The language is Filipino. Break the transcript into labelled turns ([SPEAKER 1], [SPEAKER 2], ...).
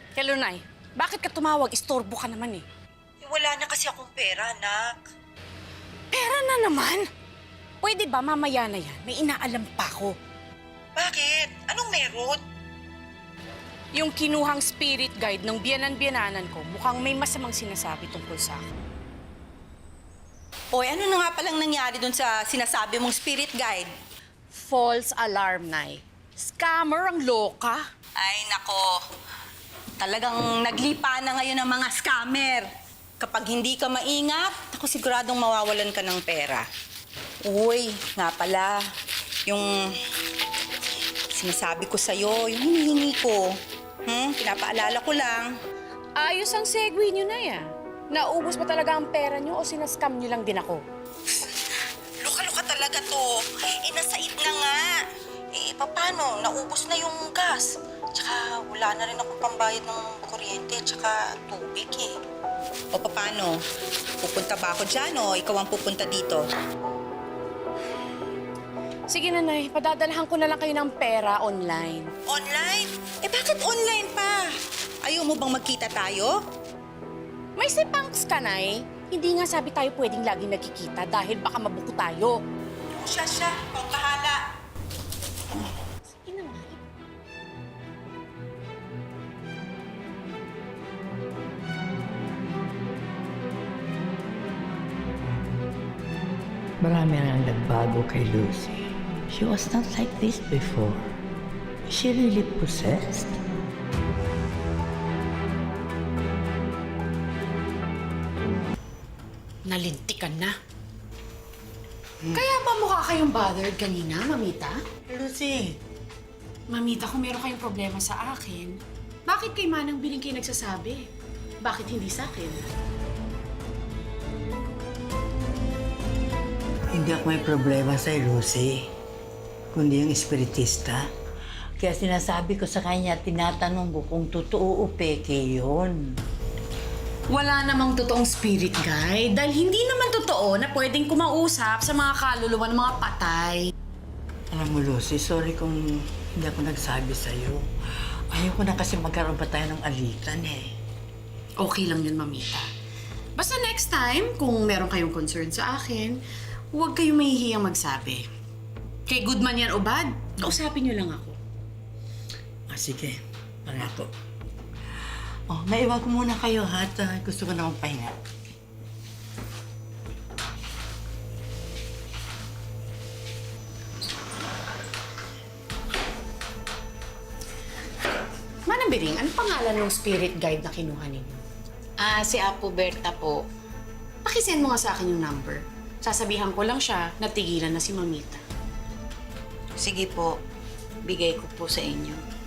[SPEAKER 1] Hello, Nay. Bakit ka tumawag? Istorbo ka naman eh.
[SPEAKER 2] Wala na kasi akong pera, anak.
[SPEAKER 1] Pera na naman? Pwede ba mamaya na yan? May inaalam pa ako.
[SPEAKER 2] Bakit? Anong meron?
[SPEAKER 1] Yung kinuhang spirit guide ng biyanan-biyananan ko, mukhang may masamang sinasabi tungkol sa akin.
[SPEAKER 2] Oy, ano na nga palang nangyari dun sa sinasabi mong spirit guide?
[SPEAKER 1] False alarm, Nay. Scammer ang loka.
[SPEAKER 2] Ay, nako. Talagang naglipa na ngayon ang mga scammer. Kapag hindi ka maingat, ako siguradong mawawalan ka ng pera. Uy, nga pala, yung sinasabi ko sa'yo, yung hinihingi ko. Pinapaalala ko lang.
[SPEAKER 1] Ayos ang segue nyo na yan. Naubos pa talaga ang pera nyo o sinascam nyo lang din ako?
[SPEAKER 2] Luka-luka talaga to. Nasaid na nga. Paano? Naubos na yung gas. Tsaka wala na rin akong pambayad ng kuryente tsaka tubig eh. O paano? Pupunta ba ako dyan o ikaw ang pupunta dito?
[SPEAKER 1] Sige, Nanay. Padadalahan ko na lang kayo ng pera online.
[SPEAKER 2] Online? Bakit online pa? Ayaw mo bang magkita tayo?
[SPEAKER 1] May sipangs ka, Nay. Hindi nga sabi tayo pwedeng laging nagkikita dahil baka mabuko tayo.
[SPEAKER 2] Siya. Ikaw bahala.
[SPEAKER 1] Sige na, Nay.
[SPEAKER 3] Marami nang nagbago kay Lucy. She was not like this before. Is she really possessed?
[SPEAKER 1] Nalintikan na. Kaya ba mukha kayong bothered kanina, Mamita?
[SPEAKER 3] Lucy,
[SPEAKER 1] Mamita, kung meron kayong problema sa akin, bakit kay Manang Biling kayo nagsasabi? Bakit hindi sa akin?
[SPEAKER 3] hindi ako may problema sa Lucy, kundi yung espiritista. Kaya sinasabi ko sa kanya, tinatanong ko kung totoo o peke yun.
[SPEAKER 1] Wala namang totoong spirit guide dahil hindi naman totoo na pwedeng kumausap sa mga kaluluwa ng mga patay.
[SPEAKER 3] Alam mo, Lucy, sorry kung hindi ako nagsabi sa'yo. Ayoko na kasi magkaroon pa tayo ng alitan eh.
[SPEAKER 1] Okay lang yun, Mamita. Basta next time, kung meron kayong concern sa akin, huwag kayong mahihiyang magsabi. Kay good man yan o bad, kausapin niyo lang ako.
[SPEAKER 3] Sige, pangako. Maiwan ko muna kayo ha, at gusto ko na magpahinga.
[SPEAKER 1] Manang Biring, ano pangalan ng spirit guide na kinuha ninyo?
[SPEAKER 4] Si Apo Berta po.
[SPEAKER 1] Pakisend mo nga sa akin yung number. Sasabihan ko lang siya na tigilan na si Mamita.
[SPEAKER 4] Sige po, bigay ko po sa inyo.